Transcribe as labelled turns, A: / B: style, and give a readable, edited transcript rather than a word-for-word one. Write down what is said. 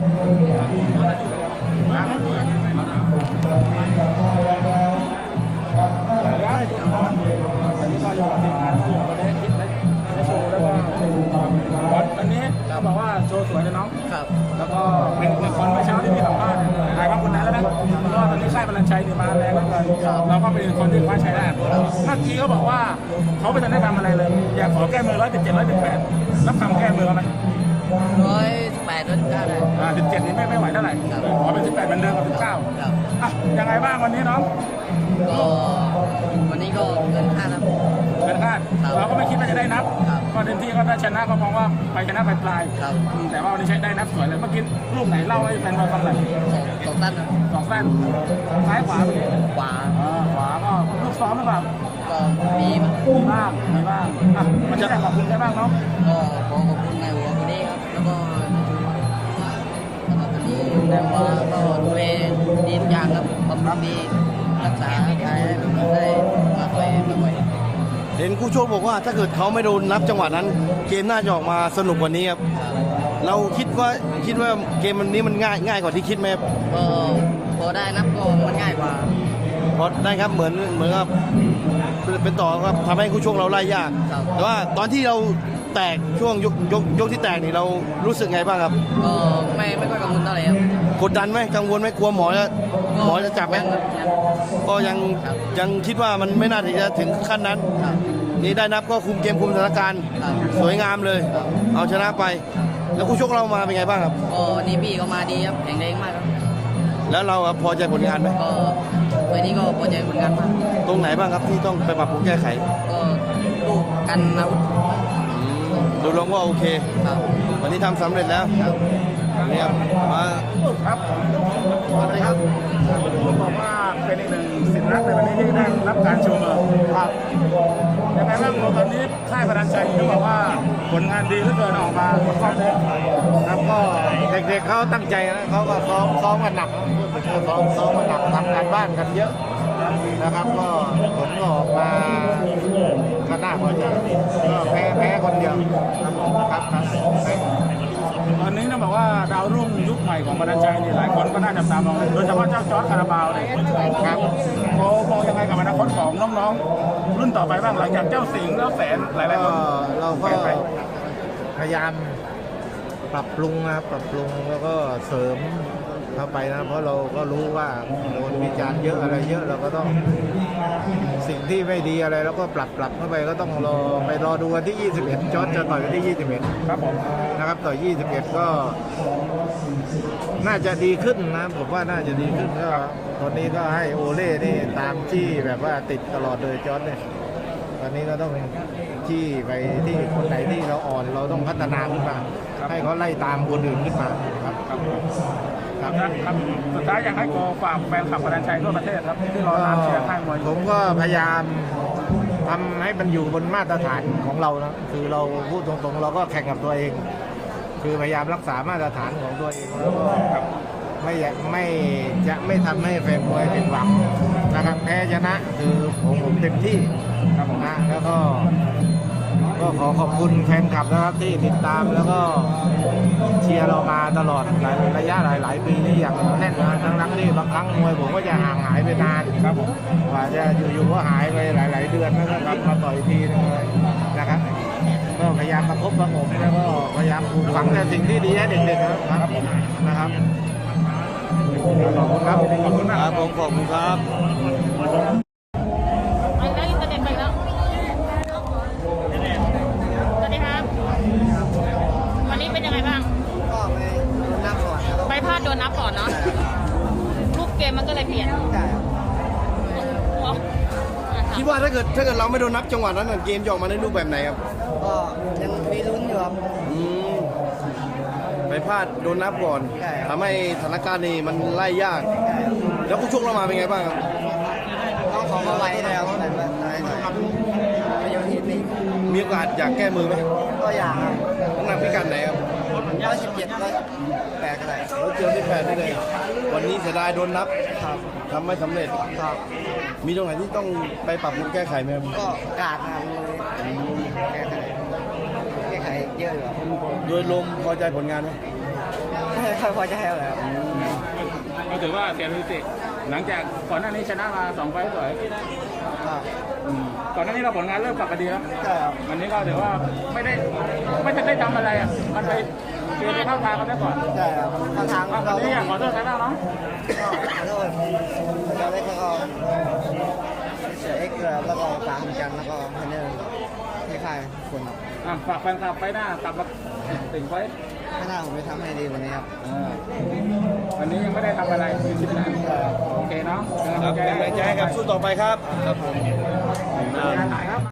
A: วันนี้เราบอกว่าโชว์สวยเลยน้อง
B: ครับ
A: แล้วก็เป็นคนเมื่อเช้าที่มีสัมภาษณ์หลายคนนั้นแล้วนะก็ตอนนี้ค่ายพลังชัยนี่มาแรงแล้วกันเราก็เป็นคนที่คว้าชัยได้เมื่อกี้เขาบอกว่าเขาไม่ทันได้ทำอะไรเลยอยากขอแก้มือ117 118รับคำแก้มือไหม
B: 118 119ได้
A: 17นี่ไม่ไหวเท่าไหร่ขอเป็น18เหมือนเดิมกับ19อ่ะยังไงบ้างวันนี้น้อง
B: ก็วันนี้ก็เกินคาดครับ
A: เกินคาดเราก็ไม่คิดว่าจะได้นับก็เต็มที่ก็ได้ชนะก็มองว่าไปชนะไปปลายแต่ว่าวันนี้ใช้ได้นับสวยเลยเมื่อกี้ลูกไหนเล่าให้แฟนบอลฟังหน่อย
B: สองสั้น
A: สองสั้นซ้ายขวา
B: ขวา
A: ก็ลูกซ้อมหรือเปล่า
B: ก็มี
A: บ้างมันจะได้ขอบคุณได้บ้างเนาะ
B: ก็ขอขอบคุณนายหัวคนนี้ครับแล้วก็วันนี้นายหัวก็ดูแลดีทุกอย่างครับบำรุงดีรักษาใครให้ได้มาต่อยบ่อย
C: เห็นคู่โชคบอกว่าถ้าเกิดเขาไม่โดนนับจังหวะนั้นเกมน่าจะออกมาสนุกกว่านี้ครับเราคิดว่าเกมวันนี้มันง่ายกว่าที่คิดไหม
B: ก็พอได้นับก็มันง่ายกว่า
C: พอได้ครับเหมือนกับเป็นต่อครับทำให้คู่โชคเราไล่ยากแต่ว่าตอนที่เราแตกช่วงยกที่แตกนี่เรารู้สึกไงบ้างครับ
B: ก็ไม่ค่อยกังวลเท่าไหร่ครับ
C: กดดันไหมกังวลไหมกลัวหมอจะจับไหมก็ยังคิดว่ามันไม่น่าที่จะถึงขั้นนั้นนี่ได้นับก็คุมเกมคุมสถานการณ์สวยงามเลยเอาชนะไปแล้วคู่ชกเรามาเป็นไงบ้างครับ
B: วันนี้พี่ก็มาดีครับแข็งแรงมากครับ
C: แล้วเราพอใจผลงานไหม
B: ก็วันนี้ก็พอใจผลงานมาก
C: ตรงไหนบ้างครับที่ต้องไปปรับปรุงแก้ไข
B: ก็ลูกกันอาวุธ
C: ดูลงว่าโอเควันนี้ทำสำเร็จแล้วนี่ครับมา
A: ครับอะไรครับผมบอกว่าเป็นอีกหนึ่งสินรักในวันนี้ที่ได้รับการชมครับยังไงบ้างตอนนี้ค่ายพลังใจเขาบอกว่าผลงานดีเหลือเกินออกมาหมดข้อเลย
D: ครับก็เด็กๆเขาตั้งใจนะเขาก็ซ้อมกันหนักซ้อมกันหนักทำงานบ้านกันเยอะนะครับก็ผลก็ออกมาก็น่าพอใจก็แพ้คนเดียวครับ
A: ตอนนี้ต้องบอกว่าดาวรุ่งยุคใหม่ของพลังใจนี่หลายคนก็น่าจับตามองโดยเฉพาะเจ้าจอร์จคาราบาวเนี่ยครับเขามองยังไงกับอนาคตของน้องๆรุ่นต่อไปบ้างหลังจากเจ้าสิงห์แล้วแสนหลายๆคน
D: เราก็พยายามปรับปรุงนะครับปรับปรุงแล้วก็เสริมเข้าไปนะเพราะเราก็รู้ว่าโดนวิจารณ์เยอะอะไรเยอะเราก็ต้องสิ่งที่ไม่ดีอะไรแล้วก็ปรับเข้าไปก็ต้องรอดูวันที่21จอร์จจะต่อยวันที่21
A: ครับผม
D: นะครับต่อ21ก็น่าจะดีขึ้นนะผมว่าน่าจะดีขึ้นก็ตอนนี้ก็ให้โอเล่นี่ตามที่แบบว่าติดตลอดเลยจอร์จเนี่ยตอนนี้ก็ต้องที่ไปที่คนไหนที่เราอ่อนเราต้องพัฒนาขึ้นมาให้เขาไล่ตามคนอื่นขึ้นมาครับ
A: ครับสุดท้ายอยากให้โกฝากแฟนคลับพลังชัยทั่วประเทศครับที่รอตามเชียร์ค่ายมวย
D: ผมก็พยายามทำให้มันอยู่บนมาตรฐานของเรานะคือเราพูดตรงๆเราก็แข่งกับตัวเองคือพยายามรักษามาตรฐานของตัวเองแล้วก็ไม่ทำให้แฟนมวยผิดหวังนะครับแพ้ชนะคือผมเต็มที่ครับผมนะแล้วก็ขอขอบคุณแฟนคลับนะครับที่ติดตามแล้วก็เชียร์เรามาตลอดระยะหลายปีนี่อย่างแน่นนะทั้งที่บางครั้งมวยผมก็จะห่างหายไปนานครับผมกว่าจะอยู่ก็หายไปหลายเดือนแล้วก็กลับมาต่อยทีนึงเลยนะครับก็พยายามประคบประหงมแล้วก็พยายามปลูกฝังแต่สิ่งที่ดีให้เด็กๆนะครับขอบคุณครับ
C: ขอบคุณครับผมขอบคุณครับ
E: วันนี้เป็นยังไงบ้าง
B: ก็ไปโดนนับก่อน
E: ไปพลาดโดนนับก่อนเนาะรูปเกมมันก็เลยเปลี่ยน
C: คิดว่าถ้าเกิดเราไม่โดนนับจังหวะนั้นเกมจะออกมาในรูปแบบไหนครับ
B: ก็ยังมีลุ้นอยู่ครับ
C: ไปพลาดโดนนับก่อนทำให้สถานการณ์นี้มันไล่ยากแล้วผู้ชกเรามาเป็นไงบ้างครับ
B: ต้องขอมาไว้แล้ว
C: มีโอกาสอยากแก้มือไหม
B: ก็อยากครับ
C: น้ำหนักพิกัดไหนครับ
B: 117 108ก็ได้
C: 118ได้เลยวันนี้เสียดายโดนนับทำไม่สำเร็จมีตรงไหนที่ต้องไปปรับปรุงแก้ไขไหมครับ
B: ก็กาดนะแก้ไขเยอะอยู่
C: โดยรวมพอใจผลงานไหม
B: ค่อยพอใจเลยครับ
A: ก็ถือว่าเสียสถิติหลังจากก่อนหน้านี้ชนะมา2 ไฟต์สวยก่อนหน้านี้เราผลงานเริ่มกลับมาดีแล้ว
B: ใช่ครับ
A: วันนี้ก็ถือว่าไม่ได้ทำอะไรอ่ะมันไปเกมไปเข้าทางเขาได้ก่อน
B: ใช่ครับทาง
A: วันนี้อยากขอโทษใครบ้างน้อง
B: ขอโทษอาจารย์เล็กแล้วก็เสียเอ็กซ์แล้วก็ตามกันแล้วก็เทรนเนอร์ที่ค่ายคนครับ
A: ฝากแฟนคลับไปหน้ากลับมาติ่งไว้
B: ไม่น่าผมไปทำให้ดีกว่านี้ครับ
A: วันนี้ยังไม่ได้ทำอะไรคือคิดนะโอเคเนาะ
C: ครับเป็นกำลังใจให้กับสู้ต่อไปครับ
A: ถ่ายครับ